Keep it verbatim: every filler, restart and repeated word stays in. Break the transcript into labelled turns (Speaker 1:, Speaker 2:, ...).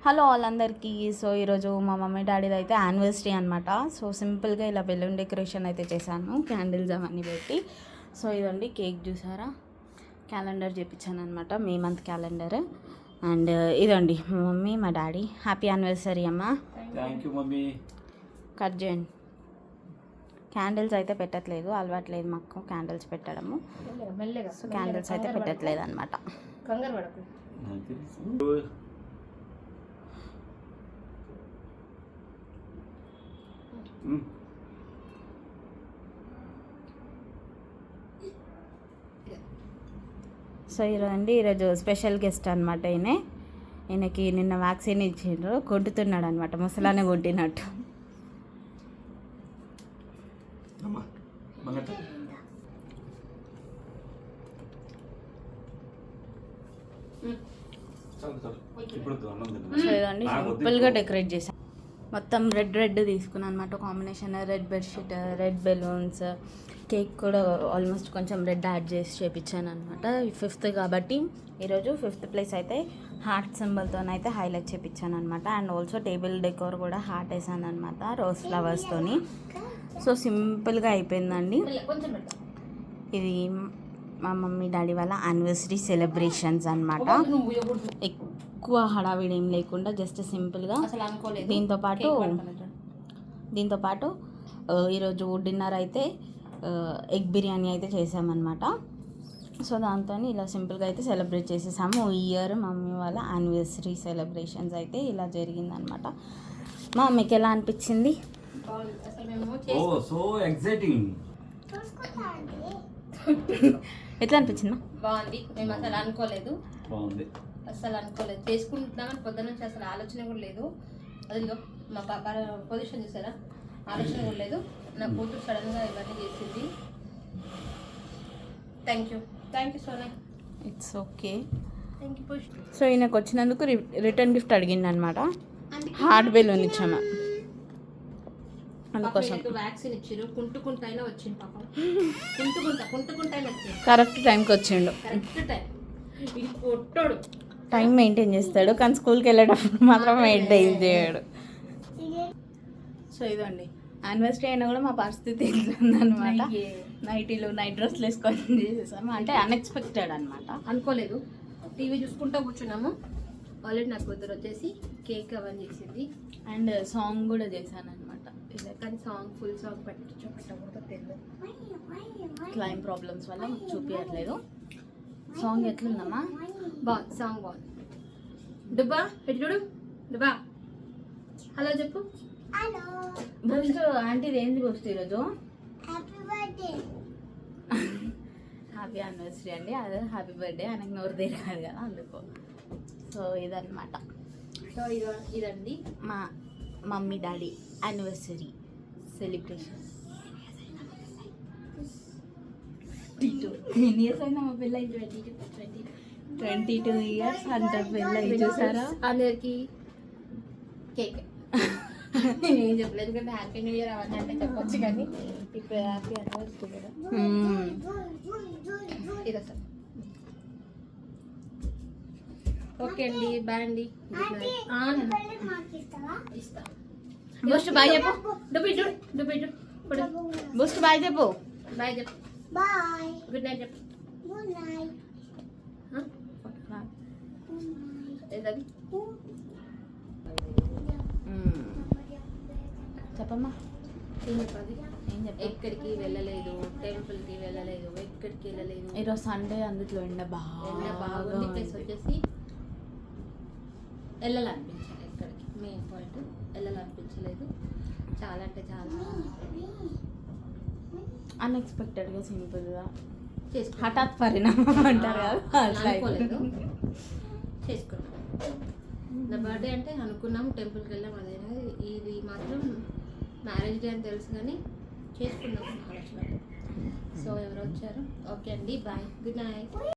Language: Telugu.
Speaker 1: హలో ఆల్ అందరికీ. సో ఈరోజు మా మమ్మీ డాడీది అయితే యానివర్సరీ అనమాట. సో సింపుల్గా ఇలా బెలూన్ డెకరేషన్ అయితే చేశాను, క్యాండిల్స్ అవన్నీ పెట్టి. సో ఇదండి కేక్ చూసారా, క్యాలెండర్ చేయించాను అనమాట, మే మంత్ క్యాలెండర్. అండ్ ఇదండి మా మమ్మీ మా డాడీ. హ్యాపీ యానివర్సరీ అమ్మ.
Speaker 2: Thank you mummy.
Speaker 1: కట్ చేయండి. క్యాండిల్స్ అయితే పెట్టట్లేదు, అలవాట్లేదు మాకు క్యాండిల్స్ పెట్టడము. సో క్యాండిల్స్ అయితే పెట్టట్లేదు అనమాట. సో ఈరోజండి ఈరోజు స్పెషల్ గెస్ట్ అనమాట. ఈయన ఈయనకి నిన్న వ్యాక్సిన్ ఇచ్చిండ్రు, కొట్టుతున్నాడు అనమాట, ముసలానే కొట్టినట్టు. సో ఇదండి సింపుల్గా డెకరేట్ చేశాను. మొత్తం రెడ్ రెడ్ తీసుకున్నాను అనమాట combination. Red bedsheet, red balloons, cake కూడా ఆల్మోస్ట్ కొంచెం రెడ్ యాడ్ చేసి చేయించాను అనమాట. ఫిఫ్త్ కాబట్టి ఈరోజు ఫిఫ్త్ ప్లేస్ అయితే హార్ట్ సింబల్తో అయితే హైలైట్ చేయించాను అనమాట. అండ్ ఆల్సో టేబుల్ డెకోర్ కూడా హార్ట్ వేసాను అనమాట, రోజ్ ఫ్లవర్స్తోని. సో సింపుల్గా అయిపోయిందండి. ఇది మా మమ్మీ డాడీ వాళ్ళ యానివర్సరీ సెలబ్రేషన్స్ అనమాట. ఎక్కువ హడావిడి ఏం లేకుండా జస్ట్ సింపుల్గా. దీంతో పాటు దీంతో పాటు ఈరోజు డిన్నర్ అయితే ఎగ్ బిర్యానీ అయితే చేసామన్నమాట. సో దాంతో ఇలా సింపుల్గా అయితే సెలబ్రేట్ చేసేసాము. ఈ ఇయర్ మమ్మీ వాళ్ళ యానివర్సరీ సెలబ్రేషన్స్ అయితే ఇలా జరిగిందనమాట. మా మీకు ఎలా అనిపించింది? ఎట్లా అనిపించిందా?
Speaker 3: బాగుంది. మేము అసలు అనుకోలేదు, అసలు అనుకోలేదు చేసుకుంటున్నామని పొద్దున్న నుంచి అసలు ఆలోచన కూడా లేదు. అదిగో మా పాప పొజిషన్ చూసారా, ఆలోచన కూడా లేదు. నా కూతురు సడన్గా ఇవన్నీ చేసింది. Thank you thank you Sona.
Speaker 1: It's okay.
Speaker 3: Thank you Push.
Speaker 1: So ఈయనకు వచ్చినందుకు రిటర్న్ గిఫ్ట్ అడిగింది అనమాట, హార్ట్ బెలూన్ ఇచ్చాము. అందుకోసం
Speaker 3: వ్యాక్సిన్ ఇచ్చారు, కుంటుకుంటైనా వచ్చింది పాప, కుంటుకుంటా కుంటుకుంటైనా వచ్చింది.
Speaker 1: కరెక్ట్ టైంకి వచ్చిండు.
Speaker 3: Correct time. ఇది కొట్టాడు,
Speaker 1: టైం మెయింటైన్ చేస్తాడు, కానీ స్కూల్కి వెళ్ళేటప్పుడు మాత్రం మెయింటైన్ చేయడు. సో ఇదండి యానివర్సరీ అయినా కూడా మా పరిస్థితి ఉందన్నమాట. నైటీలు నైట్ డ్రెస్లు వేసుకొని చేసేసాము, అంటే అన్ఎక్స్పెక్టెడ్ అనమాట,
Speaker 3: అనుకోలేదు. టీవీ చూసుకుంటూ కూర్చున్నాము. ఆల్రెడీ నాకు కూతురు వచ్చేసి కేక్ అవన్నీ చేసింది.
Speaker 1: అండ్ సాంగ్ కూడా చేశాను అనమాట.
Speaker 3: కానీ సాంగ్ ఫుల్ సాంగ్ పెట్టచ్చు పెట్టకూడదు తెలియదు,
Speaker 1: క్లైమ్ ప్రాబ్లమ్స్ వల్ల చూపించట్లేదు. సాంగ్ ఎట్లుందమ్మా?
Speaker 3: బాగుంది, సాంగ్ బాగుంది. డుబ్బా ఎటు చూడు, డుబ్బా హలో చెప్పు.
Speaker 1: బూస్ట్ ఆంటీది ఏంది బూస్ట్ ఈరోజు? హ్యాపీ యానివర్సరీ అండి, అదే హ్యాపీ బర్త్డే ఆయనకు నోరు తిరగాలి కదా, అందుకో. సో ఇదన్నమాట.
Speaker 3: సో ఇది ఇదండి
Speaker 1: మా మమ్మీ డాడీ యానివర్సరీ సెలబ్రేషన్. ఎన్ని ఇయర్స్ అయినా మా పిల్ల?
Speaker 3: Twenty two twenty
Speaker 1: twenty two years అంట పిల్ల. చూసారా,
Speaker 3: అందరికి కేక్ నేనేం చెప్పలేదు, ఎందుకంటే హ్యాపీ న్యూ ఇయర్ అవన్నీ అంటే చెప్పొచ్చు, కానీ ఇప్పుడు హ్యాపీ యానివర్సరీ కదా. ఇది అసలు ఓకే అండి, బాయ్ అండి, ఇస్తా. బూస్ట్ బాయ్ చెప్పు, డుబ్బిడ్డు డుబ్బిడ్డు
Speaker 1: బూస్ట్ బాయ్ చెప్పు,
Speaker 3: బాయ్ చెప్పు, బాయ్, గుడ్ నైట్ చెప్పు, గుడ్ నైట్. ఏదది
Speaker 1: చెప్పమ్మా,
Speaker 3: ఏం చెప్పాలి?
Speaker 1: ఏం చెప్ప
Speaker 3: ఎక్కడికి వెళ్ళలేదు, టెంపుల్కి వెళ్ళలేదు, ఎక్కడికి వెళ్ళలేదు.
Speaker 1: ఈరోజు సండే, అందులో ఎండ బాగా
Speaker 3: ఎండ బాగుంది. ప్లస్ వచ్చేసి వెళ్ళాలనిపించాలి ఎక్కడికి, మెయిన్ పాయింట్ వెళ్ళాలనిపించలేదు. చాలా అంటే చాలా
Speaker 1: అన్ఎక్స్పెక్టెడ్గా సింపుల్గా
Speaker 3: చేసుకున్నాను.
Speaker 1: హఠాత్ పరిణామం అంటారు కదా,
Speaker 3: అనుకోలేదు, చేసుకున్నాం. నా బర్త్డే అంటే అనుకున్నాం, టెంపుల్కి వెళ్ళాం, అదే. ఇది మాత్రం మ్యారేజ్ డే అని తెలుసు కానీ చేసుకున్నాం ఆలోచన. సో ఎవరు వచ్చారు? ఓకే అండి, బాయ్, గుడ్ నైట్.